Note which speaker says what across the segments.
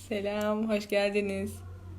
Speaker 1: Selam, hoş geldiniz.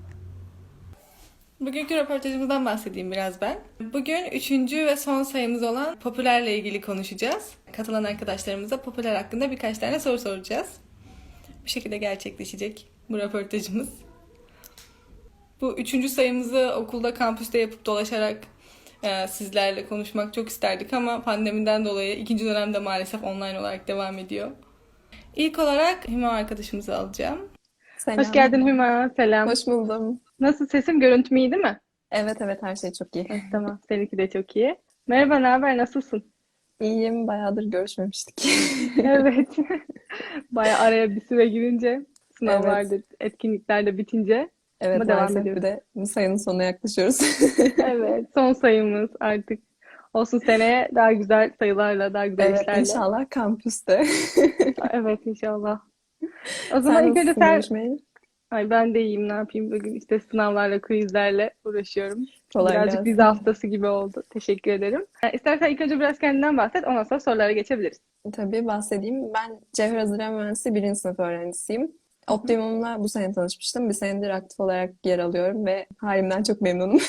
Speaker 1: Bugünkü röportajımızdan bahsedeyim biraz ben. Bugün üçüncü ve son sayımız olan Popüler'le ilgili konuşacağız. Katılan arkadaşlarımıza Popüler hakkında birkaç tane soru soracağız. Bu şekilde gerçekleşecek bu röportajımız. Bu üçüncü sayımızı okulda, kampüste yapıp dolaşarak sizlerle konuşmak çok isterdik ama pandemiden dolayı ikinci dönemde maalesef online olarak devam ediyor. İlk olarak Hüma arkadaşımızı alacağım.
Speaker 2: Hoş geldin
Speaker 3: Selam.
Speaker 2: Hüma. Selam.
Speaker 3: Hoş buldum.
Speaker 2: Nasıl sesim? Görüntüm iyi değil mi?
Speaker 3: Evet evet her şey çok iyi.
Speaker 2: Tamam. Seninki de çok iyi. Merhaba, ne haber? Nasılsın?
Speaker 3: İyiyim. Bayağıdır görüşmemiştik.
Speaker 2: Evet. Bayağı araya bir süre girince,
Speaker 3: Evet.
Speaker 2: sınavlarda, etkinlikler de bitince
Speaker 3: Evet
Speaker 2: ama devam
Speaker 3: maalesef bir
Speaker 2: ediyoruz.
Speaker 3: de bu sayının sonuna yaklaşıyoruz.
Speaker 2: Evet. Son sayımız artık. Olsun seneye daha güzel sayılarla, daha güzel
Speaker 3: Evet
Speaker 2: işlerle.
Speaker 3: inşallah kampüste.
Speaker 2: Evet inşallah. O zaman
Speaker 3: Sen
Speaker 2: ilk önce
Speaker 3: nasılsın
Speaker 2: sen...
Speaker 3: görüşmeyeli?
Speaker 2: Ay ben de iyiyim. Ne yapayım? Bugün işte sınavlarla, quizlerle uğraşıyorum.
Speaker 3: Kolay
Speaker 2: Birazcık vize
Speaker 3: gelsin.
Speaker 2: haftası gibi oldu. Teşekkür ederim. İstersen ilk önce biraz kendinden bahset. Ondan sonra sorulara geçebiliriz.
Speaker 3: Tabii bahsedeyim. Ben Cevher Hazırlama Mühendisi birinci sınıf öğrencisiyim.
Speaker 2: Hı hı.
Speaker 3: Optimum'la bu sene tanışmıştım. Bir senedir aktif olarak yer alıyorum ve halimden çok memnunum.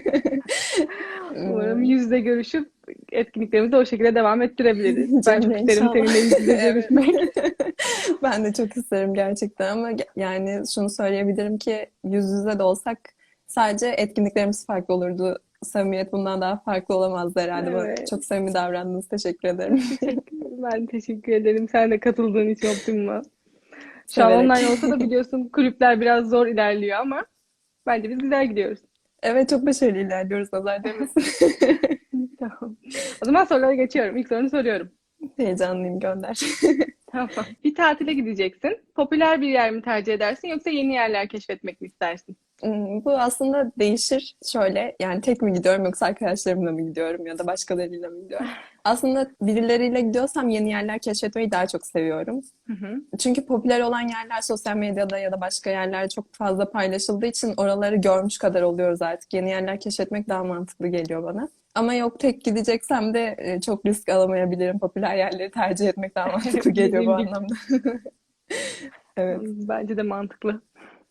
Speaker 2: Umarım
Speaker 3: Hmm,
Speaker 2: yüz yüze görüşüp etkinliklerimizi o şekilde devam ettirebiliriz. Ben çok
Speaker 3: Cemre
Speaker 2: isterim
Speaker 3: inşallah.
Speaker 2: seninle yüz yüze
Speaker 3: Evet.
Speaker 2: görüşmek.
Speaker 3: Ben de çok isterim gerçekten ama yani şunu söyleyebilirim ki yüz yüze de olsak sadece etkinliklerimiz farklı olurdu. Samimiyet bundan daha farklı olamazdı herhalde. Bana
Speaker 2: Evet.
Speaker 3: çok samimi davrandınız. Teşekkür ederim.
Speaker 2: Teşekkür ederim. Ben teşekkür ederim. Sen de katıldığın için Optimum'a. Şu an
Speaker 3: Severek.
Speaker 2: online olsa da biliyorsun kulüpler biraz zor ilerliyor ama bence biz güzel gidiyoruz.
Speaker 3: Evet çok başarılı ilerliyoruz. Nazar değmesin.
Speaker 2: Tamam. O zaman sorulara geçiyorum. İlk sorunu soruyorum.
Speaker 3: Heyecanlıyım gönder.
Speaker 2: Tamam. Bir tatile gideceksin. Popüler bir yer mi tercih edersin yoksa yeni yerler keşfetmek mi istersin?
Speaker 3: Bu aslında değişir. Şöyle yani tek mi gidiyorum yoksa arkadaşlarımla mı gidiyorum ya da başkalarıyla mı gidiyorum? Aslında birileriyle gidiyorsam yeni yerler keşfetmeyi daha çok seviyorum.
Speaker 2: Hı hı.
Speaker 3: Çünkü popüler olan yerler sosyal medyada ya da başka yerlerde çok fazla paylaşıldığı için oraları görmüş kadar oluyoruz artık. Yeni yerler keşfetmek daha mantıklı geliyor bana. Ama yok tek gideceksem de çok risk alamayabilirim. Popüler yerleri tercih etmek daha mantıklı geliyor bu
Speaker 2: Dediğim gibi.
Speaker 3: anlamda. Evet.
Speaker 2: Bence de mantıklı.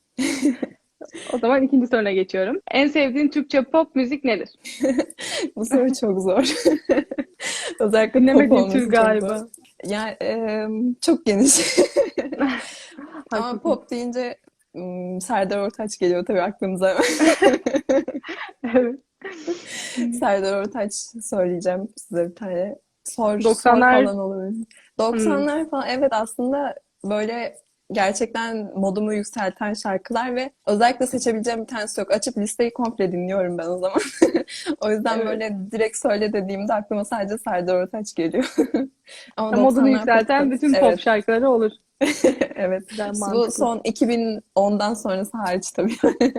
Speaker 2: O zaman ikinci soruna geçiyorum. En sevdiğin Türkçe pop müzik nedir?
Speaker 3: Bu soru çok zor. Özellikle pop
Speaker 2: Dinlemediğin tür
Speaker 3: olması çok zor.
Speaker 2: galiba.
Speaker 3: Yani çok geniş. Ama
Speaker 2: Haklısın.
Speaker 3: pop deyince Serdar Ortaç geliyor tabii aklımıza.
Speaker 2: Evet.
Speaker 3: Serdar Ortaç söyleyeceğim size bir tane. Sor
Speaker 2: 90'lar.
Speaker 3: falan olabilir.
Speaker 2: Hmm,
Speaker 3: 90'lar falan evet aslında böyle gerçekten modumu yükselten şarkılar ve özellikle seçebileceğim bir tanesi yok. Açıp listeyi komple dinliyorum ben o zaman. O yüzden
Speaker 2: evet.
Speaker 3: böyle direkt söyle dediğimde aklıma sadece Serdar Ortaç geliyor. Ama
Speaker 2: Modunu
Speaker 3: 90'lar pop
Speaker 2: yükselten
Speaker 3: tabii.
Speaker 2: bütün pop
Speaker 3: Evet.
Speaker 2: şarkıları olur.
Speaker 3: Evet.
Speaker 2: Güzel,
Speaker 3: Bu
Speaker 2: mantıklı.
Speaker 3: son 2010'dan sonrası hariç tabii.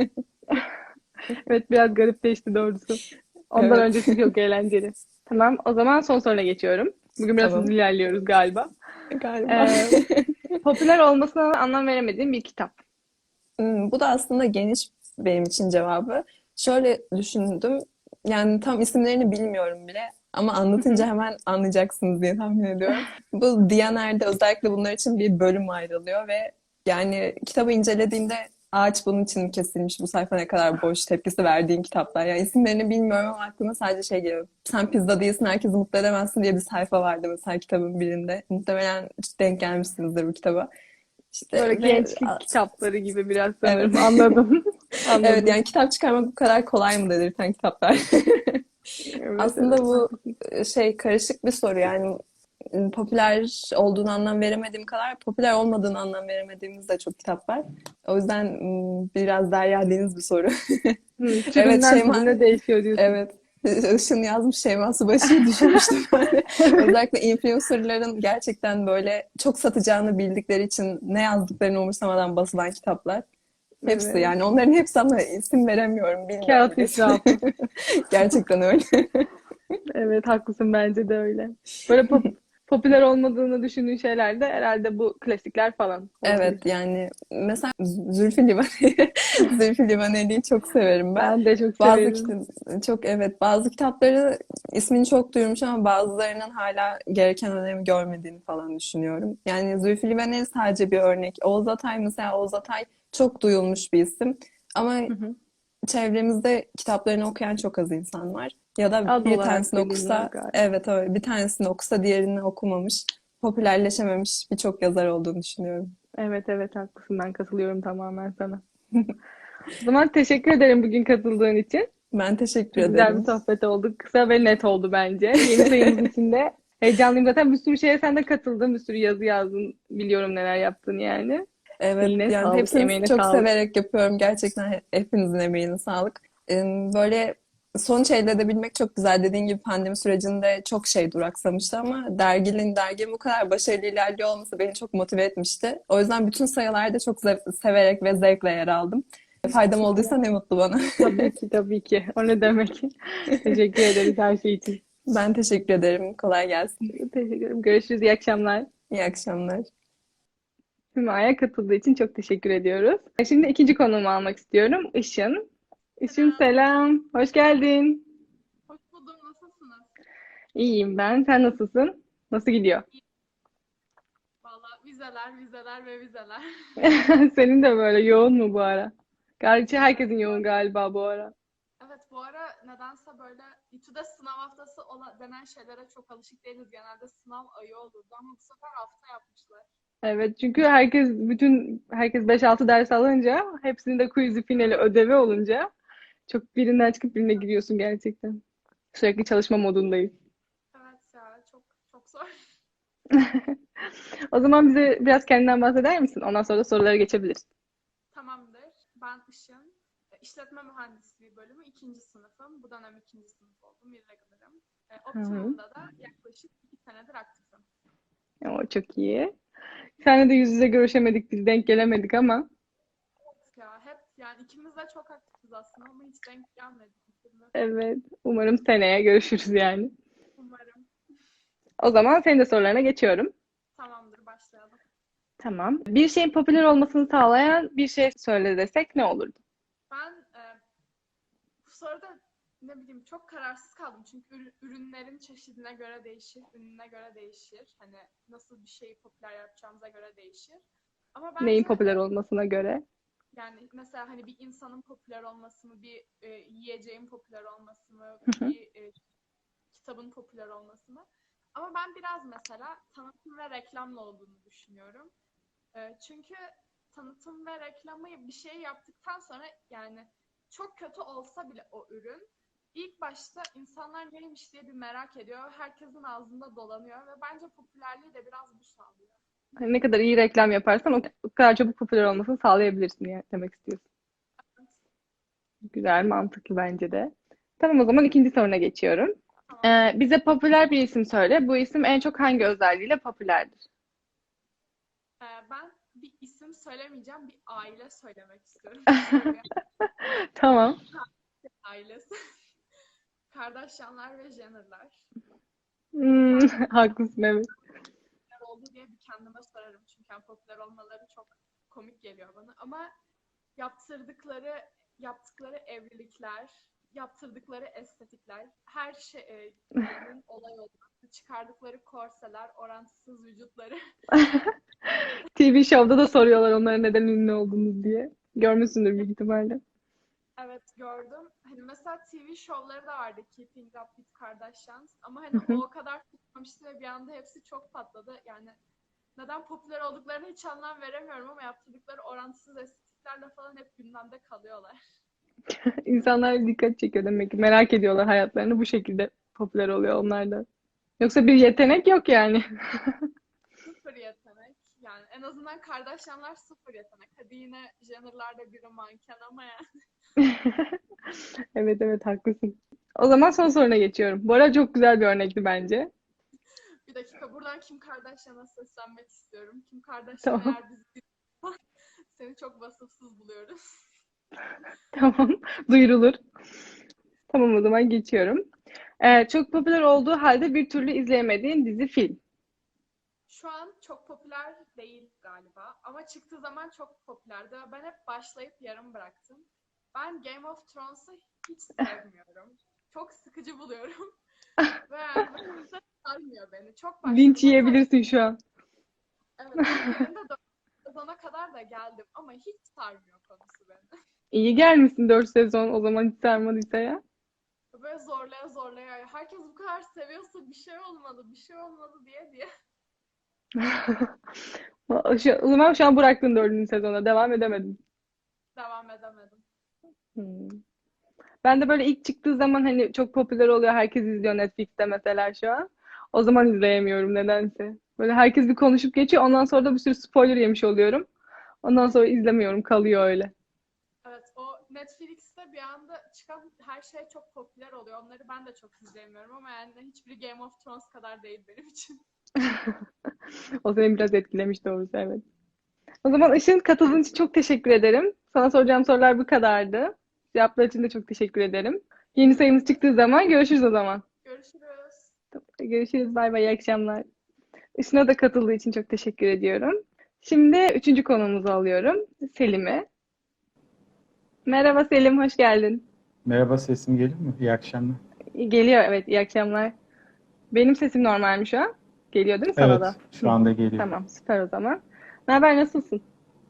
Speaker 2: Evet biraz garipleşti doğrusu. Ondan
Speaker 3: Evet.
Speaker 2: öncesi çok eğlenceli. Tamam, o zaman son soruna geçiyorum. Bugün biraz hızlı
Speaker 3: Tamam.
Speaker 2: ilerliyoruz galiba.
Speaker 3: Galiba.
Speaker 2: Ee, popüler olmasına anlam veremediğim bir kitap.
Speaker 3: Bu da aslında geniş benim için cevabı. Şöyle düşündüm. Yani tam isimlerini bilmiyorum bile. Ama
Speaker 2: Hı hı.
Speaker 3: anlatınca hemen anlayacaksınız diye tahmin ediyorum. Bu Diyaner'de özellikle bunlar için bir bölüm ayrılıyor ve yani kitabı incelediğinde ağaç bunun için mi kesilmiş, bu sayfa ne kadar boş tepkisi verdiğin kitaplar. Yani isimlerini bilmiyorum ama aklıma sadece şey geliyor. Sen pizza değilsin, herkesi mutlu edemezsin diye bir sayfa vardı mesela kitabın birinde. Muhtemelen denk gelmişsinizdir bu kitaba. İşte
Speaker 2: Böyle
Speaker 3: ve
Speaker 2: gençlik kitapları gibi biraz
Speaker 3: evet.
Speaker 2: sanırım. Anladım.
Speaker 3: Evet
Speaker 2: Anladım.
Speaker 3: yani kitap çıkarmak bu kadar kolay mı dedirten kitaplar.
Speaker 2: Evet
Speaker 3: Aslında
Speaker 2: evet
Speaker 3: bu
Speaker 2: haklısın.
Speaker 3: şey karışık bir soru yani popüler olduğunu anlam veremediğim kadar popüler olmadığını anlam veremediğimiz de çok kitap var. O yüzden biraz derya deniz bir soru. Evet
Speaker 2: Türünden
Speaker 3: Şeyma,
Speaker 2: türüne değişiyor diyorsun.
Speaker 3: evet. Işın yazmış Şeyma Subaşı'yı düşünmüştüm böyle.
Speaker 2: Evet.
Speaker 3: Özellikle influencerların gerçekten böyle çok satacağını bildikleri için ne yazdıklarını umursamadan basılan kitaplar. Hepsi
Speaker 2: Evet.
Speaker 3: yani onların hepsi ama isim veremiyorum, bilmiyorum
Speaker 2: Kağıt
Speaker 3: bile ismini.
Speaker 2: israfı.
Speaker 3: Gerçekten öyle.
Speaker 2: Evet haklısın bence de öyle. Böyle popüler olmadığını düşündüğün şeyler de herhalde bu klasikler falan olabilir.
Speaker 3: Evet yani mesela Zülfü Livaneli Zülfü Livaneli'yi çok severim ben.
Speaker 2: Ben de çok
Speaker 3: Bazı
Speaker 2: severim.
Speaker 3: çok evet bazı kitapları ismini çok duymuş ama bazılarının hala gereken önemi görmediğini falan düşünüyorum. Yani Zülfü Livaneli sadece bir örnek. Oğuz Atay mesela Oğuz Atay çok duyulmuş bir isim ama
Speaker 2: Hı hı.
Speaker 3: çevremizde kitaplarını okuyan çok az insan var. Ya da
Speaker 2: Az
Speaker 3: bir
Speaker 2: olarak
Speaker 3: tanesini
Speaker 2: biliniyor
Speaker 3: okusa,
Speaker 2: galiba.
Speaker 3: evet öyle bir tanesini okusa diğerini okumamış, popülerleşememiş birçok yazar olduğunu düşünüyorum.
Speaker 2: Evet evet haklısın. Ben katılıyorum tamamen sana. O zaman teşekkür ederim bugün katıldığın için.
Speaker 3: Ben teşekkür
Speaker 2: Çok güzel bir
Speaker 3: ederim.
Speaker 2: sohbet oldu. Kısa ve net oldu bence. Yeni sayımız için de heyecanlıyım. Zaten bir sürü şeye sen de katıldın. Bir sürü yazı yazdın. Biliyorum neler yaptın yani.
Speaker 3: Evet,
Speaker 2: Eline
Speaker 3: yani
Speaker 2: sağlık,
Speaker 3: hepsini
Speaker 2: emeğine
Speaker 3: çok
Speaker 2: sağlık.
Speaker 3: severek yapıyorum. Gerçekten hepinizin emeğine sağlık. Böyle sonuç elde edebilmek çok güzel. Dediğin gibi pandemi sürecinde çok şey duraksamıştı ama derginin bu kadar başarılı ilerliyor olması beni çok motive etmişti. O yüzden bütün sayılarda çok severek ve zevkle yer aldım. Faydam
Speaker 2: Süper.
Speaker 3: olduysa ne mutlu bana.
Speaker 2: Tabii ki, tabii ki. O ne demek? Teşekkür ederiz her şey için.
Speaker 3: Ben teşekkür ederim. Kolay gelsin.
Speaker 2: Teşekkür ederim. Görüşürüz. İyi akşamlar.
Speaker 3: İyi akşamlar.
Speaker 2: Hüma'ya katıldığı için çok teşekkür ediyoruz. Şimdi ikinci konuğumu almak istiyorum. Işın. Işın
Speaker 4: Selam,
Speaker 2: selam. Hoş geldin.
Speaker 4: hoş buldum. Nasılsınız?
Speaker 2: İyiyim ben. Sen nasılsın? Nasıl gidiyor?
Speaker 4: İyi. Valla vizeler, vizeler ve vizeler.
Speaker 2: Senin de böyle yoğun mu bu ara? Gerçi herkesin yoğun galiba bu ara.
Speaker 4: Evet, bu ara nedense böyle İTÜ'de sınav haftası denen şeylere çok alışık değiliz. Genelde sınav ayı olurdu ama bu sefer hafta yapmışlar.
Speaker 2: Evet çünkü herkes 5-6 ders alınca hepsinin de quiz'i finali ödevi olunca çok birinden çıkıp birine giriyorsun gerçekten. Sürekli çalışma modundayız.
Speaker 4: Evet ya, çok çok zor.
Speaker 2: O zaman bize biraz kendinden bahseder misin? Ondan sonra da sorulara geçebiliriz.
Speaker 4: Tamamdır. Ben Işın. İşletme Mühendisliği bölümü ikinci sınıfım. Bu dönem ikinci sınıf oldum. Irregular'ım.
Speaker 2: Hı hı.
Speaker 4: Optimum'da da yaklaşık 2 senedir aktifim.
Speaker 2: O çok iyi. Seninle de yüz yüze görüşemedik, biz denk gelemedik ama
Speaker 4: Ya hep yani ikimiz de çok aktifiz aslında ama hiç denk gelmedik bir türlü.
Speaker 2: evet, umarım seneye görüşürüz yani.
Speaker 4: Umarım.
Speaker 2: O zaman senin de sorularına geçiyorum.
Speaker 4: Tamamdır, başlayalım.
Speaker 2: Tamam. Bir şeyin popüler olmasını sağlayan bir şey söyle desek ne olurdu?
Speaker 4: Ben bu soruda ne bileyim çok kararsız kaldım. Çünkü ürünlerin çeşidine göre değişir, ününe göre değişir. Hani nasıl bir şeyi popüler yapacağımıza göre değişir. Ama
Speaker 2: Neyin
Speaker 4: bence
Speaker 2: popüler olmasına göre?
Speaker 4: yani mesela hani bir insanın popüler olması mı, bir yiyeceğin popüler olması mı,
Speaker 2: Hı hı.
Speaker 4: bir kitabın popüler olması mı? Ama ben biraz mesela tanıtım ve reklamla olduğunu düşünüyorum. Çünkü tanıtım ve reklamı bir şey yaptıktan sonra yani çok kötü olsa bile o ürün ilk başta insanlar neymiş diye bir merak ediyor. Herkesin ağzında dolanıyor ve bence popülerliği de biraz bu sağlıyor.
Speaker 2: Hani ne kadar iyi reklam yaparsan o kadar çabuk popüler olmasını sağlayabilirsin diye demek istiyorsun. Güzel, mantıklı bence de. Tamam o zaman ikinci soruna geçiyorum.
Speaker 4: Tamam.
Speaker 2: Bize popüler bir isim söyle. Bu isim en çok hangi özelliğiyle popülerdir?
Speaker 4: Ben bir isim söylemeyeceğim, bir aile söylemek istiyorum. Böyle
Speaker 2: Tamam.
Speaker 4: bir ailesi. Kardashianlar ve Jenner'lar.
Speaker 2: Hmm,
Speaker 4: Zaten
Speaker 2: haklısın evet.
Speaker 4: popüler oldu diye bir kendime sorarım. Çünkü yani popüler olmaları çok komik geliyor bana. Ama yaptıkları evlilikler, yaptırdıkları estetikler, her şeyinin olay olması, çıkardıkları korseler, orantısız vücutları.
Speaker 2: TV Show'da da soruyorlar onlara neden ünlü oldunuz diye. Görmüşsündür büyük ihtimalle.
Speaker 4: Evet, gördüm. Hani mesela TV şovları da vardı, Keeping Up with Kardashians. Ama
Speaker 2: Hı
Speaker 4: hani
Speaker 2: hı.
Speaker 4: o kadar tutmamıştı ve bir anda hepsi çok patladı. Yani neden popüler olduklarını hiç anlam veremiyorum ama yaptırdıkları orantısız estetiklerle falan hep gündemde kalıyorlar.
Speaker 2: İnsanlar dikkat çekiyor demek ki. Merak ediyorlar hayatlarını bu şekilde popüler oluyor onlar da. Yoksa bir yetenek yok yani.
Speaker 4: Sıfır yetenek. Yani en azından Kardashianlar sıfır yetenek. Hadi yine Jenner'lar da biri manken ama yani.
Speaker 2: Evet evet haklısın. O zaman son soruna geçiyorum. Bu arada çok güzel bir örnekti bence.
Speaker 4: Bir dakika, buradan Kim Kardashian'a seslenmek istiyorum. Kim Kardashian
Speaker 2: Tamam.
Speaker 4: eğer bizi dinliyorsa seni çok vasıfsız buluyoruz.
Speaker 2: Tamam. Duyurulur. Tamam o zaman geçiyorum. Çok popüler olduğu halde bir türlü izleyemediğin dizi film.
Speaker 4: Şu an çok popüler değil galiba ama çıktığı zaman çok popülerdi. Ben hep başlayıp yarım bıraktım. Ben Game of Thrones'u hiç sevmiyorum. Çok sıkıcı buluyorum. Ve yani böyle hiç sarmıyor beni. Çok başladım
Speaker 2: Linç
Speaker 4: ama
Speaker 2: yiyebilirsin şu an.
Speaker 4: evet, birinde 4 sezona kadar da geldim ama hiç sarmıyor konusu beni.
Speaker 2: İyi gelmişsin 4 sezon o zaman hiç sarmadıysa ya.
Speaker 4: Böyle zorlaya zorlaya. Herkes bu kadar seviyorsa bir şey olmalı, bir şey olmalı diye.
Speaker 2: O zaman şu an bıraktın 4. sezona. Devam edemedin.
Speaker 4: Devam edemedim.
Speaker 2: Hmm. Ben de böyle ilk çıktığı zaman hani çok popüler oluyor. Herkes izliyor Netflix'te mesela şu an. O zaman izleyemiyorum nedense. Böyle herkes bir konuşup geçiyor. Ondan sonra da bir sürü spoiler yemiş oluyorum. Ondan sonra izlemiyorum. Kalıyor öyle.
Speaker 4: Evet, o Netflix'te bir anda çıkan her şey çok popüler oluyor. Onları ben de çok izleyemiyorum ama yani hiçbiri Game of Thrones kadar değil benim için.
Speaker 2: O seni biraz etkilemiş doğrusu evet. O zaman Işın katıldığın için çok teşekkür ederim. Sana soracağım sorular bu kadardı. Cevaplar için de çok teşekkür ederim. Yeni sayımız çıktığı zaman görüşürüz o zaman.
Speaker 4: Görüşürüz.
Speaker 2: Görüşürüz. Bay bay. İyi akşamlar. Işın'a da katıldığı için çok teşekkür ediyorum. Şimdi 3. konuğumuzu alıyorum. Selim'i. Merhaba Selim, hoş geldin.
Speaker 5: Merhaba, sesim geliyor mu? İyi akşamlar.
Speaker 2: Geliyor evet, iyi akşamlar. Benim sesim normal mi şu an? Geliyor değil mi sana da?
Speaker 5: Evet, şu anda geliyor.
Speaker 2: Tamam, süper o zaman. Ne haber, nasılsın?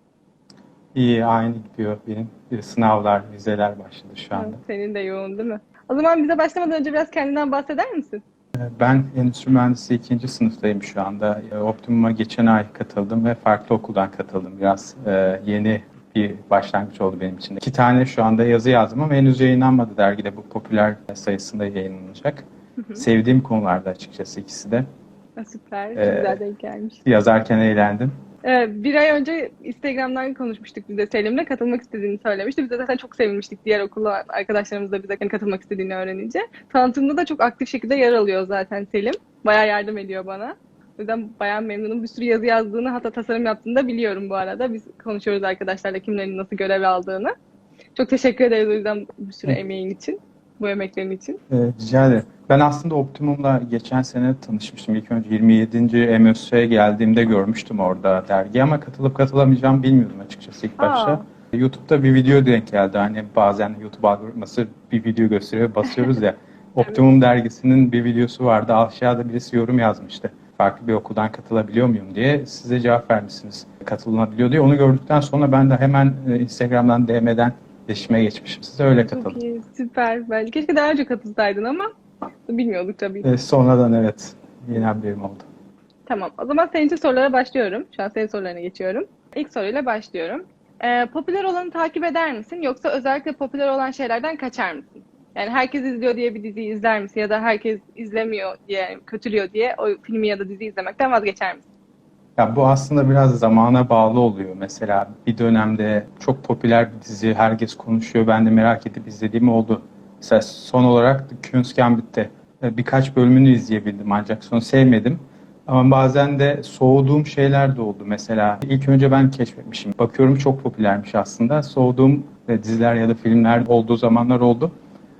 Speaker 5: İyi, aynı gidiyor benim. Sınavlar, vizeler başladı şu anda.
Speaker 2: Senin de yoğun değil mi? O zaman bize başlamadan önce biraz kendinden bahseder misin?
Speaker 5: Ben endüstri mühendisliği 2. sınıftayım şu anda. Optimum'a geçen ay katıldım ve farklı okuldan katıldım. Biraz yeni bir başlangıç oldu benim için. 2 tane şu anda yazı yazdım ama henüz yayınlanmadı dergide. Bu popüler sayısında yayınlanacak. Sevdiğim konularda açıkçası ikisi de.
Speaker 2: Süper, çok
Speaker 5: Ee,
Speaker 2: güzel denk gelmiş.
Speaker 5: Yazarken eğlendim.
Speaker 2: Bir ay önce Instagram'dan konuşmuştuk biz de Selim'le. Katılmak istediğini söylemişti. Biz de zaten çok sevinmiştik. Diğer okulda arkadaşlarımız da bize katılmak istediğini öğrenince. Tanıtımda da çok aktif şekilde yer alıyor zaten Selim. Bayağı yardım ediyor bana. O yüzden bayağı memnunum. Bir sürü yazı yazdığını, hatta tasarım yaptığını da biliyorum bu arada. Biz konuşuyoruz arkadaşlarla kimlerin nasıl görev aldığını. Çok teşekkür ederiz o yüzden bir sürü emeğin için, bu emeklerin için.
Speaker 5: Rica ederim. Ben aslında Optimum'la geçen sene tanışmıştım. İlk önce 27. MÖS'e geldiğimde görmüştüm orada dergi ama katılıp katılamayacağımı bilmiyordum açıkçası ilk başta. YouTube'da bir video denk geldi. Hani bazen YouTube algoritması bir video gösteriyor, basıyoruz ya. Optimum dergisinin bir videosu vardı. Aşağıda birisi yorum yazmıştı. Farklı bir okuldan katılabiliyor muyum diye. Size cevap vermişsiniz. Katılınabiliyor diye. Onu gördükten sonra ben de hemen Instagram'dan DM'den iletişime geçmişim. Size öyle
Speaker 2: Çok
Speaker 5: katıldım.
Speaker 2: iyi, süper. Bence keşke daha önce katılsaydın ama bilmiyorduk tabii.
Speaker 5: Sonradan evet, yeni haberim oldu.
Speaker 2: Tamam. O zaman senin için sorulara başlıyorum. Şu an senin sorularına geçiyorum. İlk soruyla başlıyorum. Popüler olanı takip eder misin? Yoksa özellikle popüler olan şeylerden kaçar mısın? Yani herkes izliyor diye bir diziyi izler misin? Ya da herkes izlemiyor diye, kötülüyor diye o filmi ya da diziyi izlemekten vazgeçer misin?
Speaker 5: Ya bu aslında biraz zamana bağlı oluyor. Mesela bir dönemde çok popüler bir dizi, herkes konuşuyor. Ben de merak edip izlediğim oldu. Mesela son olarak The Queen's Gambit'te birkaç bölümünü izleyebildim ancak sonu sevmedim. Ama bazen de soğuduğum şeyler de oldu. Mesela ilk önce ben keşfetmişim. Bakıyorum çok popülermiş aslında. Soğuduğum diziler ya da filmler olduğu zamanlar oldu.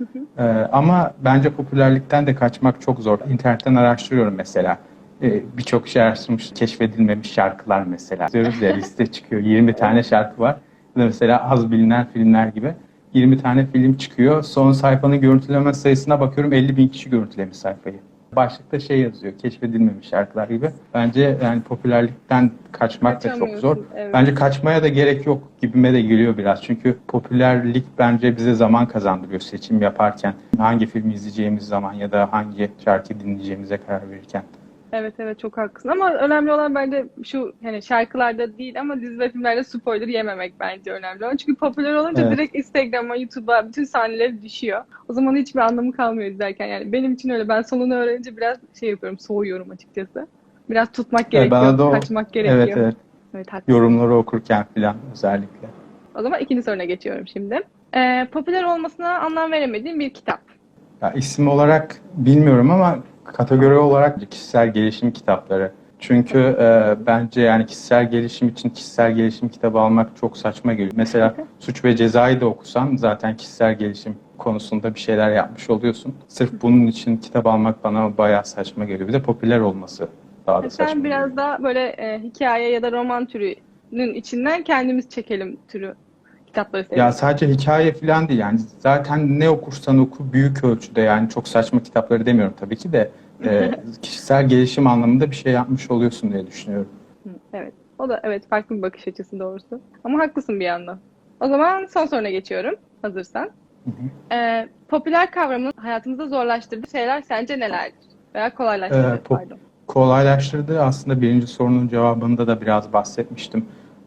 Speaker 5: Ama bence popülerlikten de kaçmak çok zor. İnternetten araştırıyorum mesela. Birçok şey araştırmış, keşfedilmemiş şarkılar mesela. Diyoruz ya liste çıkıyor. 20 tane şarkı var. Ya da mesela az bilinen filmler gibi. 20 tane film çıkıyor. Son sayfanın görüntüleme sayısına bakıyorum 50.000 kişi görüntülemiş sayfayı. Başlıkta şey yazıyor, keşfedilmemiş şarkılar gibi. Bence yani popülerlikten kaçmak da çok zor.
Speaker 2: Evet.
Speaker 5: Bence kaçmaya da gerek yok gibime de geliyor biraz. Çünkü popülerlik bence bize zaman kazandırıyor seçim yaparken. Hangi filmi izleyeceğimiz zaman ya da hangi şarkıyı dinleyeceğimize karar verirken.
Speaker 2: Evet çok haklısın ama önemli olan bence şu hani şarkılarda değil ama dizi ve filmlerde spoiler yememek bence önemli olan. Çünkü popüler olunca
Speaker 5: Evet.
Speaker 2: direkt Instagram'a, YouTube'a bütün sahneleri düşüyor. O zaman hiçbir anlamı kalmıyor izlerken yani. Benim için öyle. Ben sonunu öğrenince biraz şey yapıyorum, soğuyorum açıkçası. Biraz tutmak gerekiyor,
Speaker 5: Bana da
Speaker 2: kaçmak gerekiyor.
Speaker 5: Evet.
Speaker 2: Evet, haklısın.
Speaker 5: Yorumları okurken falan özellikle.
Speaker 2: O zaman ikinci soruna geçiyorum şimdi. Popüler olmasına anlam veremediğim bir kitap.
Speaker 5: Ya isim olarak bilmiyorum ama kategori olarak kişisel gelişim kitapları. Çünkü bence yani kişisel gelişim için kişisel gelişim kitabı almak çok saçma geliyor. Mesela Suç ve Ceza'yı da okusan zaten kişisel gelişim konusunda bir şeyler yapmış oluyorsun. Sırf bunun için kitap almak bana bayağı saçma geliyor. Bir de popüler olması Daha da
Speaker 2: Sen
Speaker 5: saçma
Speaker 2: biraz
Speaker 5: geliyor.
Speaker 2: daha böyle hikaye ya da roman türünün içinden kendimiz çekelim türü kitapları
Speaker 5: Ya
Speaker 2: seviyoruz.
Speaker 5: sadece hikaye falan değil yani zaten ne okursan oku büyük ölçüde yani çok saçma kitapları demiyorum tabii ki de kişisel gelişim anlamında bir şey yapmış oluyorsun diye düşünüyorum.
Speaker 2: Evet. O da evet farklı bir bakış açısı doğrusu. Ama haklısın bir yandan. O zaman son soruna geçiyorum. Hazırsan.
Speaker 5: Hı hı.
Speaker 2: Popüler kavramının hayatımızda zorlaştırdığı şeyler sence nelerdir? Veya
Speaker 5: Ee,
Speaker 2: kolaylaştırdığı
Speaker 5: pop-
Speaker 2: pardon.
Speaker 5: Kolaylaştırdığı aslında birinci sorunun cevabında da biraz bahsetmiştim.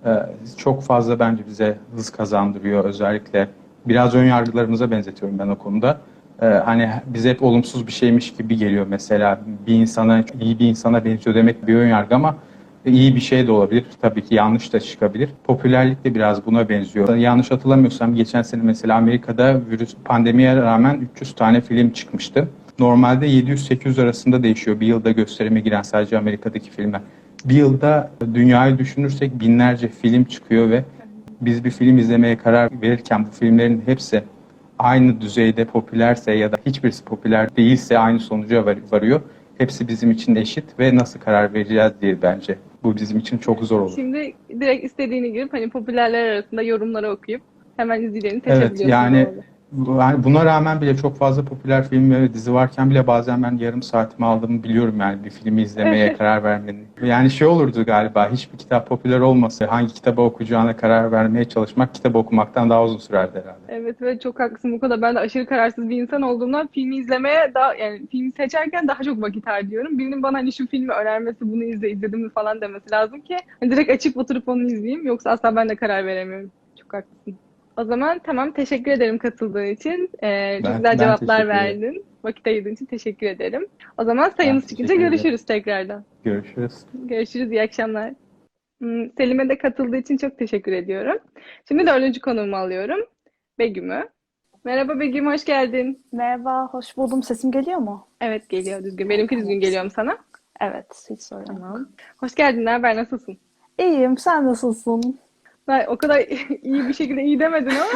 Speaker 5: Çok fazla bence bize hız kazandırıyor özellikle. Biraz ön yargılarımıza benzetiyorum ben o konuda. Hani bize hep olumsuz bir şeymiş gibi geliyor mesela bir insana iyi bir insana benziyor demek bir ön yargı ama iyi bir şey de olabilir. Tabii ki yanlış da çıkabilir. Popülerlik de biraz buna benziyor. Yanlış hatırlamıyorsam geçen sene mesela Amerika'da virüs pandemiye rağmen 300 tane film çıkmıştı. Normalde 700-800 arasında değişiyor bir yılda gösterime giren sadece Amerika'daki filmler. Bir yılda dünyayı düşünürsek binlerce film çıkıyor ve biz bir film izlemeye karar verirken bu filmlerin hepsi aynı düzeyde popülerse ya da hiçbirisi popüler değilse aynı sonuca varıyor. Hepsi bizim için eşit ve nasıl karar vereceğiz diye bence. Bu bizim için çok zor olur.
Speaker 2: Şimdi direkt istediğini girip hani popülerler arasında yorumları okuyup hemen izleyeceğini
Speaker 5: Evet
Speaker 2: seçebiliyorsun
Speaker 5: yani
Speaker 2: doğru.
Speaker 5: buna rağmen bile çok fazla popüler film ve dizi varken bile bazen ben yarım saatimi aldığımı biliyorum yani bir filmi izlemeye karar vermenin. Yani şey olurdu galiba hiçbir kitap popüler olmasa hangi kitabı okuyacağına karar vermeye çalışmak kitabı okumaktan daha uzun sürerdi herhalde.
Speaker 2: Evet ve çok haklısın bu konuda. Ben de aşırı kararsız bir insan olduğumdan filmi izlemeye daha yani filmi seçerken daha çok vakit harcıyorum. Birinin bana hani şu filmi önermesi, bunu izledim mi falan demesi lazım ki hani direkt açıp oturup onu izleyeyim. Yoksa asla ben de karar veremiyorum. Çok haklısın. O zaman tamam teşekkür ederim katıldığın için. Çok güzel
Speaker 5: Ben
Speaker 2: cevaplar
Speaker 5: teşekkür ederim.
Speaker 2: verdin. Vakit ayırdığın için teşekkür ederim. O zaman
Speaker 5: Ben
Speaker 2: sayımız çıkınca
Speaker 5: teşekkür ederim.
Speaker 2: görüşürüz tekrardan.
Speaker 5: Görüşürüz.
Speaker 2: Görüşürüz, iyi akşamlar. Selim'e de katıldığı için çok teşekkür ediyorum. Şimdi dördüncü konuğumu alıyorum. Begüm'ü. Merhaba Begüm, hoş geldin.
Speaker 6: Merhaba, hoş buldum. Sesim geliyor mu?
Speaker 2: Evet geliyor düzgün. Benimki düzgün
Speaker 6: Tamam.
Speaker 2: geliyor mu sana?
Speaker 6: Evet, hiç sorun yok.
Speaker 2: Tamam. Hoş geldin, ne haber, nasılsın?
Speaker 6: İyiyim, sen nasılsın?
Speaker 2: Ben o kadar iyi bir şekilde iyi demedin ama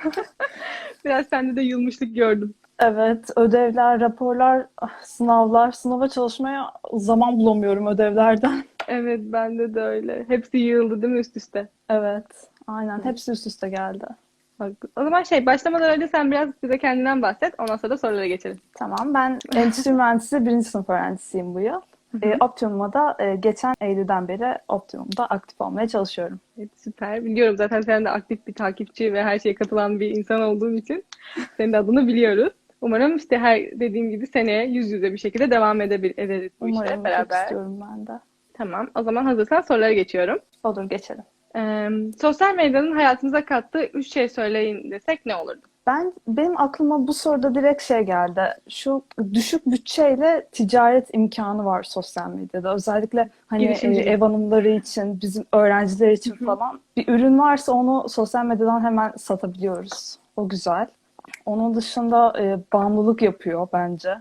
Speaker 2: biraz sende de yılmışlık gördüm.
Speaker 6: Evet, ödevler, raporlar, sınavlar, sınava çalışmaya zaman bulamıyorum ödevlerden.
Speaker 2: Evet, bende de öyle. Hepsi yığıldı değil mi üst üste?
Speaker 6: Evet, aynen. Hepsi üst üste geldi.
Speaker 2: O zaman başlamadan önce sen biraz bize kendinden bahset. Ondan sonra da sorulara geçelim.
Speaker 6: Tamam, ben endüstri mühendisi birinci sınıf öğrencisiyim bu yıl. Optimum'a da geçen Eylül'den beri Optimum'da aktif olmaya çalışıyorum.
Speaker 2: Evet, süper. Biliyorum zaten sen de aktif bir takipçi ve her şeye katılan bir insan olduğun için senin de adını biliyoruz. Umarım işte her dediğim gibi seneye yüz yüze bir şekilde devam ederiz bu işe
Speaker 6: Umarım, çok
Speaker 2: beraber.
Speaker 6: istiyorum ben de.
Speaker 2: Tamam. O zaman hazırsan sorulara geçiyorum.
Speaker 6: Olur, geçelim.
Speaker 2: Sosyal medyanın hayatımıza kattığı üç şey söyleyin desek ne olurdu?
Speaker 6: Benim aklıma bu soruda direkt şey geldi. Şu düşük bütçeyle ticaret imkanı var sosyal medyada. Özellikle hani
Speaker 2: Girişimcilik.
Speaker 6: ev hanımları için, bizim öğrenciler için falan. Bir ürün varsa onu sosyal medyadan hemen satabiliyoruz. O güzel. Onun dışında bağımlılık yapıyor bence.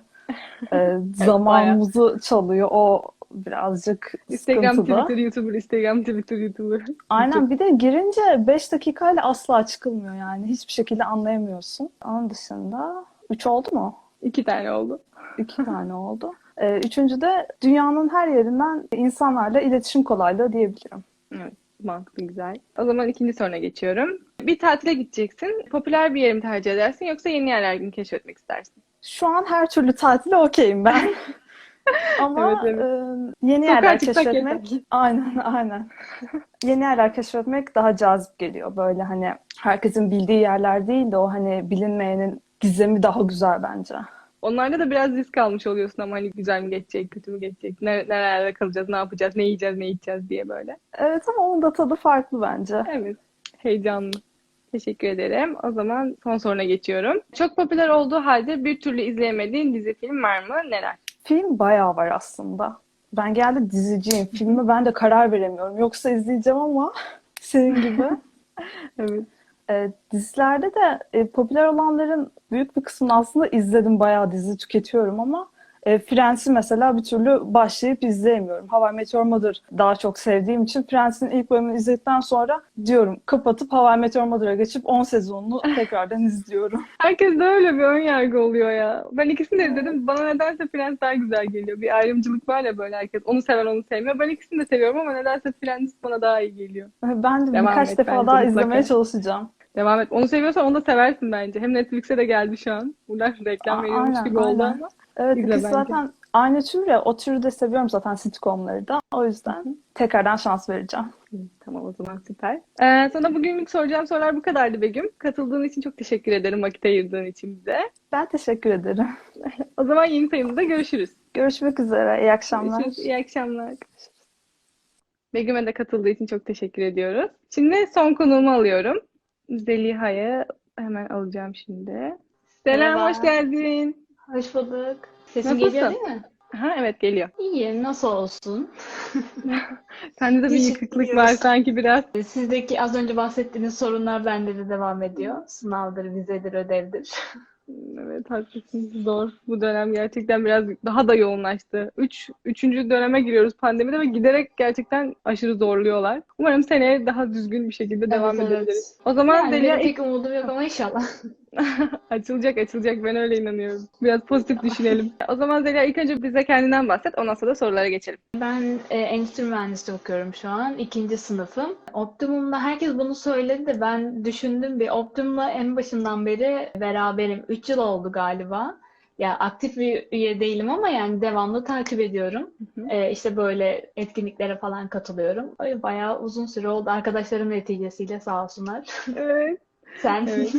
Speaker 6: Zamanımızı çalıyor. O birazcık
Speaker 2: Instagram,
Speaker 6: sıkıntılı.
Speaker 2: Twitter, YouTuber, Instagram, Twitter, YouTuber.
Speaker 6: Aynen, bir de girince 5 dakikayla asla çıkılmıyor yani. Hiçbir şekilde anlayamıyorsun. Onun dışında 3 oldu mu?
Speaker 2: 2 tane oldu.
Speaker 6: 2 tane oldu. Üçüncü de dünyanın her yerinden insanlarla iletişim kolaylığı diyebilirim.
Speaker 2: Evet, mantıklı, güzel. O zaman ikinci soruna geçiyorum. Bir tatile gideceksin. Popüler bir yeri mi tercih edersin yoksa yeni yerler mi keşfetmek istersin?
Speaker 6: Şu an her türlü tatile okeyim ben. Ama
Speaker 2: Evet, evet.
Speaker 6: yeni
Speaker 2: Sokağa
Speaker 6: yerler
Speaker 2: çıksak
Speaker 6: keşfetmek,
Speaker 2: yeter.
Speaker 6: aynen. Yeni yerler keşfetmek daha cazip geliyor. Böyle hani herkesin bildiği yerler değil de o hani bilinmeyenin gizemi daha güzel bence.
Speaker 2: Onlarda da biraz risk almış oluyorsun ama hani güzel mi geçecek, kötü mü geçecek, nerelerde kalacağız, ne yapacağız, ne yiyeceğiz, ne içeceğiz diye böyle.
Speaker 6: Evet ama onun da tadı farklı bence.
Speaker 2: Evet, heyecanlı. Teşekkür ederim. O zaman son soruna geçiyorum. Çok popüler olduğu halde bir türlü izleyemediğin dizi film var mı? Neler?
Speaker 6: Film bayağı var aslında. Ben genelde diziciyim. Filme ben de karar veremiyorum. Yoksa izleyeceğim ama senin gibi.
Speaker 2: Evet.
Speaker 6: Dizilerde de popüler olanların büyük bir kısmını aslında izledim. Bayağı dizi tüketiyorum ama Friends'i mesela bir türlü başlayıp izleyemiyorum. How I Met Your Mother daha çok sevdiğim için Friends'in ilk bölümünü izledikten sonra diyorum kapatıp How I Met Your Mother'a geçip 10 sezonunu tekrardan izliyorum.
Speaker 2: Herkes de öyle bir ön yargı oluyor ya. Ben ikisini de izledim. Bana nedense Friends daha güzel geliyor. Bir ayrımcılık var ya böyle herkes. Onu seven onu sevmiyor. Ben ikisini de seviyorum ama nedense Friends bana daha iyi geliyor.
Speaker 6: Ben de
Speaker 2: Devam
Speaker 6: birkaç
Speaker 2: et
Speaker 6: defa
Speaker 2: bence
Speaker 6: daha
Speaker 2: mutlaka.
Speaker 6: izlemeye çalışacağım.
Speaker 2: Devam et. Onu seviyorsan onu da seversin bence. Hem Netflix'e de geldi şu an. Buradan reklam veriyormuş
Speaker 6: Aynen,
Speaker 2: gibi oldu
Speaker 6: aynen.
Speaker 2: ama.
Speaker 6: Evet,
Speaker 2: İzle
Speaker 6: ikisi
Speaker 2: bence.
Speaker 6: zaten aynı tür ya. O türü de seviyorum zaten sitcomları da. O yüzden tekrardan şans vereceğim.
Speaker 2: Tamam o zaman süper. Sana bugünlük soracağım sorular bu kadardı Begüm. Katıldığın için çok teşekkür ederim. Vakit ayırdığın için bize.
Speaker 6: Ben teşekkür ederim.
Speaker 2: O zaman yeni sayımızda görüşürüz.
Speaker 6: Görüşmek üzere. İyi akşamlar.
Speaker 2: Görüşürüz. İyi akşamlar. Begüm'e de katıldığı için çok teşekkür ediyoruz. Şimdi son konuğumu alıyorum. Zeliha'yı hemen alacağım şimdi. Selam,
Speaker 7: Merhaba.
Speaker 2: hoş geldin.
Speaker 7: Hoş bulduk. Sesim
Speaker 2: Nasılsın?
Speaker 7: geliyor değil mi?
Speaker 2: Ha, evet geliyor.
Speaker 7: İyi, nasıl olsun?
Speaker 2: Sende de bir
Speaker 7: Teşekkür
Speaker 2: yıkıklık
Speaker 7: ediyoruz.
Speaker 2: var sanki biraz.
Speaker 7: Sizdeki az önce bahsettiğiniz sorunlar bende de devam ediyor. Sınavdır, vizedir, ödevdir.
Speaker 2: Evet haklısın. Zor. Bu dönem gerçekten biraz daha da yoğunlaştı. Üçüncü döneme giriyoruz pandemide ve giderek gerçekten aşırı zorluyorlar. Umarım seneye daha düzgün bir şekilde devam
Speaker 7: Evet,
Speaker 2: edebiliriz.
Speaker 7: evet.
Speaker 2: O zaman
Speaker 7: Yani
Speaker 2: Zeliha
Speaker 7: benim pek umudum yok ama inşallah.
Speaker 2: açılacak ben öyle inanıyorum. Biraz pozitif düşünelim. O zaman Zeliha ilk önce bize kendinden bahset. Ondan sonra da sorulara geçelim.
Speaker 7: Ben endüstri mühendisliği okuyorum şu an. 2. sınıfım. Optimum'da herkes bunu söyledi de ben düşündüm bir. Optimum'la en başından beri beraberim. 3 yıl oldu galiba. Ya aktif bir üye değilim ama yani devamlı takip ediyorum. İşte böyle etkinliklere falan katılıyorum. Ay, bayağı uzun süre oldu. Arkadaşlarım neticesiyle sağ olsunlar.
Speaker 2: Evet.
Speaker 7: Sen?
Speaker 2: Evet.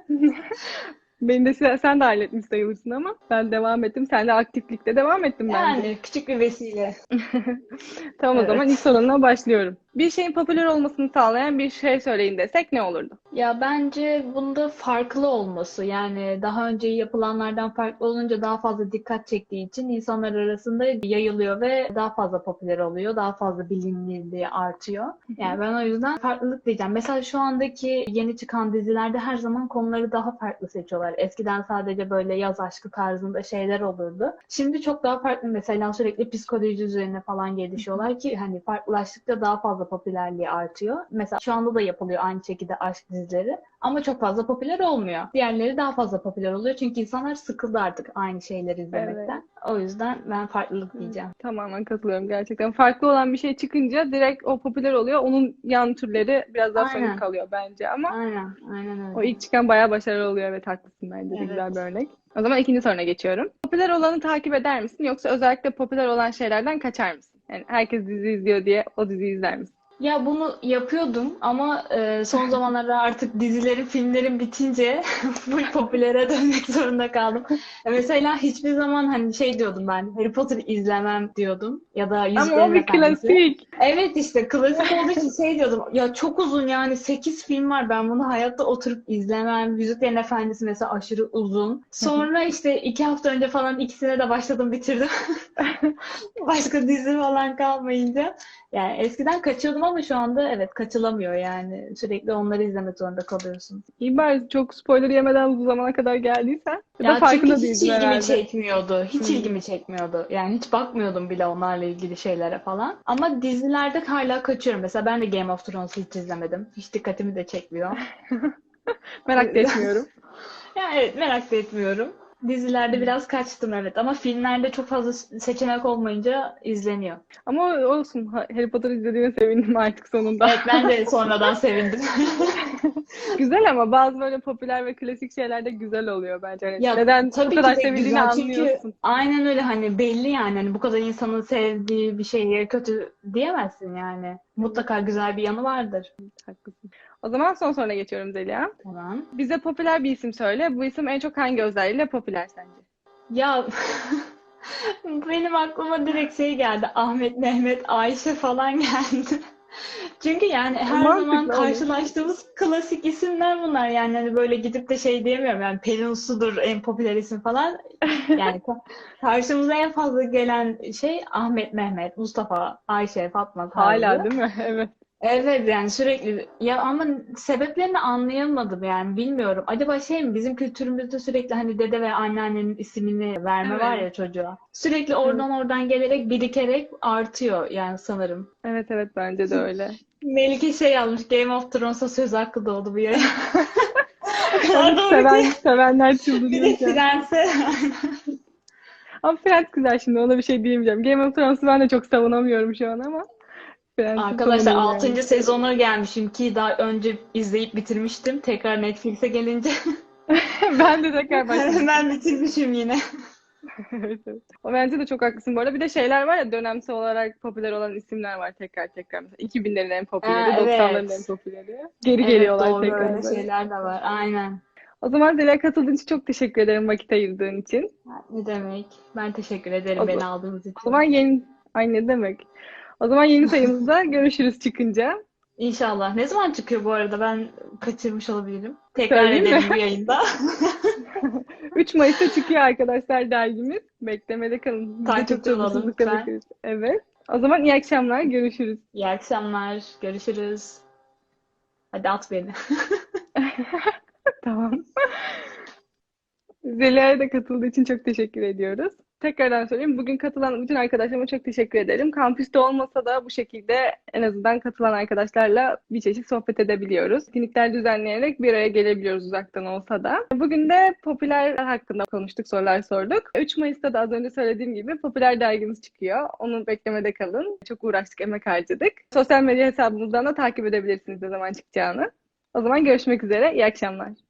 Speaker 2: Beni de sen de halletmiş sayılırsın ama ben devam ettim. Sen de aktiflikte devam ettin bence.
Speaker 7: Yani küçük bir vesile.
Speaker 2: Tamam o
Speaker 7: Evet.
Speaker 2: zaman ilk sorunla başlıyorum. Bir şeyin popüler olmasını sağlayan bir şey söyleyin desek ne olurdu?
Speaker 7: Ya bence bunda farklı olması yani daha önce yapılanlardan farklı olunca daha fazla dikkat çektiği için insanlar arasında yayılıyor ve daha fazla popüler oluyor, daha fazla bilinirliği artıyor. Yani ben o yüzden farklılık diyeceğim. Mesela şu andaki yeni çıkan dizilerde her zaman konuları daha farklı seçiyorlar. Eskiden sadece böyle yaz aşkı tarzında şeyler olurdu. Şimdi çok daha farklı mesela sürekli psikoloji üzerine falan gelişiyorlar ki hani farklılaştıkça daha fazla popülerliği artıyor. Mesela şu anda da yapılıyor aynı şekilde aşk dizileri ama çok fazla popüler olmuyor. Diğerleri daha fazla popüler oluyor çünkü insanlar sıkıldı artık aynı şeyleri izlemekten. O yüzden ben farklılık diyeceğim.
Speaker 2: Tamamen katılıyorum gerçekten. Farklı olan bir şey çıkınca direkt o popüler oluyor. Onun yan türleri biraz daha
Speaker 7: Aynen.
Speaker 2: sönük kalıyor bence ama
Speaker 7: Aynen
Speaker 2: o
Speaker 7: öyle.
Speaker 2: ilk çıkan bayağı başarılı oluyor. Evet haklısın bence de
Speaker 7: Evet.
Speaker 2: güzel bir örnek. O zaman ikinci soruna geçiyorum. Popüler olanı takip eder misin yoksa özellikle popüler olan şeylerden kaçar mısın? Yani herkes dizi izliyor diye o diziyi izler misin?
Speaker 7: Ya bunu yapıyordum ama son zamanlarda artık dizilerin, filmlerin bitince full popülere dönmek zorunda kaldım. Mesela hiçbir zaman hani şey diyordum ben, Harry Potter izlemem diyordum ya da
Speaker 2: Ama o
Speaker 7: Yüzüklerin
Speaker 2: bir
Speaker 7: Efendisi.
Speaker 2: klasik.
Speaker 7: Evet işte klasik olduğu için şey diyordum. Ya çok uzun yani 8 film var. Ben bunu hayatta oturup izlemem. Yüzüklerin Efendisi mesela aşırı uzun. Sonra işte 2 hafta önce falan ikisine de başladım bitirdim. Başka dizi falan kalmayınca. Yani eskiden kaçıyordum ama şu anda evet kaçılamıyor yani. Sürekli onları izlemek zorunda kalıyorsun.
Speaker 2: İyi bari çok spoiler yemeden bu zamana kadar geldiysen ya da
Speaker 7: Ya çünkü
Speaker 2: farkında
Speaker 7: hiç
Speaker 2: değildin
Speaker 7: ilgimi
Speaker 2: herhalde.
Speaker 7: çekmiyordu. Hiç
Speaker 2: Hmm.
Speaker 7: ilgimi çekmiyordu. Yani hiç bakmıyordum bile onlarla ilgili şeylere falan. Ama dizilerde hala kaçıyorum. Mesela ben de Game of Thrones'u hiç izlemedim. Hiç dikkatimi de çekmiyor.
Speaker 2: Merak da etmiyorum.
Speaker 7: Yani evet merak da etmiyorum. Dizilerde biraz kaçtım evet ama filmlerde çok fazla seçenek olmayınca izleniyor.
Speaker 2: Ama olsun. Harry Potter izlediğime sevindim artık sonunda.
Speaker 7: Evet ben de sonradan sevindim.
Speaker 2: Güzel ama bazı böyle popüler ve klasik şeyler de güzel oluyor bence. Hani
Speaker 7: Ya
Speaker 2: neden bu
Speaker 7: tabii
Speaker 2: kadar
Speaker 7: ki de
Speaker 2: sevildiğini
Speaker 7: güzel çünkü
Speaker 2: anlıyorsun.
Speaker 7: aynen öyle hani belli yani hani bu kadar insanın sevdiği bir şeye kötü diyemezsin yani. Mutlaka güzel bir yanı vardır.
Speaker 2: Haklısın. O zaman son soruna geçiyorum Zeliha.
Speaker 7: Tamam.
Speaker 2: Bize popüler bir isim söyle. Bu isim en çok hangi özelliğiyle popüler sence?
Speaker 7: Ya benim aklıma direkt şey geldi. Ahmet, Mehmet, Ayşe falan geldi. Çünkü yani her
Speaker 2: Mantıklı
Speaker 7: zaman
Speaker 2: olur.
Speaker 7: karşılaştığımız klasik isimler bunlar. Yani hani böyle gidip de şey diyemiyorum. Yani Pelin Uslu'dur en popüler isim falan. Yani karşımıza en fazla gelen şey Ahmet, Mehmet, Mustafa, Ayşe, Fatma
Speaker 2: Hala
Speaker 7: tarzı.
Speaker 2: değil mi? Evet.
Speaker 7: Evet yani sürekli ya ama sebeplerini anlayamadım yani bilmiyorum. Acaba şey mi bizim kültürümüzde sürekli hani dede ve anneannenin ismini verme var
Speaker 2: Evet.
Speaker 7: ya çocuğa. Sürekli
Speaker 2: Evet.
Speaker 7: oradan gelerek birikerek artıyor yani sanırım.
Speaker 2: Evet, evet, bence de öyle.
Speaker 7: Melike şey yazmış Game of Thrones'a söz hakkı doğdu bu yayın. O kadar
Speaker 2: Evet,
Speaker 7: doğru ki.
Speaker 2: sevenler
Speaker 7: Bir de
Speaker 2: çıldırıyor şu an.
Speaker 7: Friends'e.
Speaker 2: Ama Friends güzel, şimdi ona bir şey diyemeyeceğim. Game of Thrones'u ben de çok savunamıyorum şu an ama Friends'i
Speaker 7: Arkadaşlar
Speaker 2: savunurum yani.
Speaker 7: 6. sezonu gelmişim ki daha önce izleyip bitirmiştim. Tekrar Netflix'e gelince
Speaker 2: Ben de tekrar başladım.
Speaker 7: hemen bitirmişim yine.
Speaker 2: Evet, evet. O bence de çok haklısın bu arada. Bir de şeyler var ya, dönemsel olarak popüler olan isimler var tekrar tekrar. Mesela 2000'lerin en popüleri,
Speaker 7: Ha,
Speaker 2: 90'ların en
Speaker 7: evet.
Speaker 2: popüleri. Geri
Speaker 7: Evet
Speaker 2: geliyorlar
Speaker 7: doğru
Speaker 2: tekrar
Speaker 7: öyle
Speaker 2: böyle.
Speaker 7: şeyler de var. Aynen.
Speaker 2: O zaman Zeliha, katıldığın için çok teşekkür ederim, vakit ayırdığın için.
Speaker 7: Ne demek? Ben teşekkür
Speaker 2: O,
Speaker 7: ederim beni
Speaker 2: z-
Speaker 7: aldığınız
Speaker 2: o zaman
Speaker 7: için.
Speaker 2: Ay, ne demek. O zaman yeni sayımızda görüşürüz çıkınca.
Speaker 7: İnşallah. Ne zaman çıkıyor bu arada? Ben kaçırmış olabilirim. Tekrar
Speaker 2: Söyleyeyim mi?
Speaker 7: edelim bu yayında.
Speaker 2: 3 Mayıs'ta çıkıyor arkadaşlar dergimiz. Beklemede kalın. Biz de çok
Speaker 7: Takipte olalım
Speaker 2: sabırsızlıkla
Speaker 7: lütfen.
Speaker 2: bekliyoruz. Evet. O zaman iyi akşamlar. Görüşürüz.
Speaker 7: İyi akşamlar. Görüşürüz. Hadi at beni.
Speaker 2: Tamam. Zeliha'ya da katıldığı için çok teşekkür ediyoruz. Tekrardan söyleyeyim. Bugün katılan bütün arkadaşlarıma çok teşekkür ederim. Kampüste olmasa da bu şekilde en azından katılan arkadaşlarla bir çeşit sohbet edebiliyoruz. Etkinlikler düzenleyerek bir araya gelebiliyoruz uzaktan olsa da. Bugün de popüler hakkında konuştuk, sorular sorduk. 3 Mayıs'ta da az önce söylediğim gibi popüler dergimiz çıkıyor. Onu beklemede kalın. Çok uğraştık, emek harcadık. Sosyal medya hesabımızdan da takip edebilirsiniz ne zaman çıkacağını. O zaman görüşmek üzere. İyi akşamlar.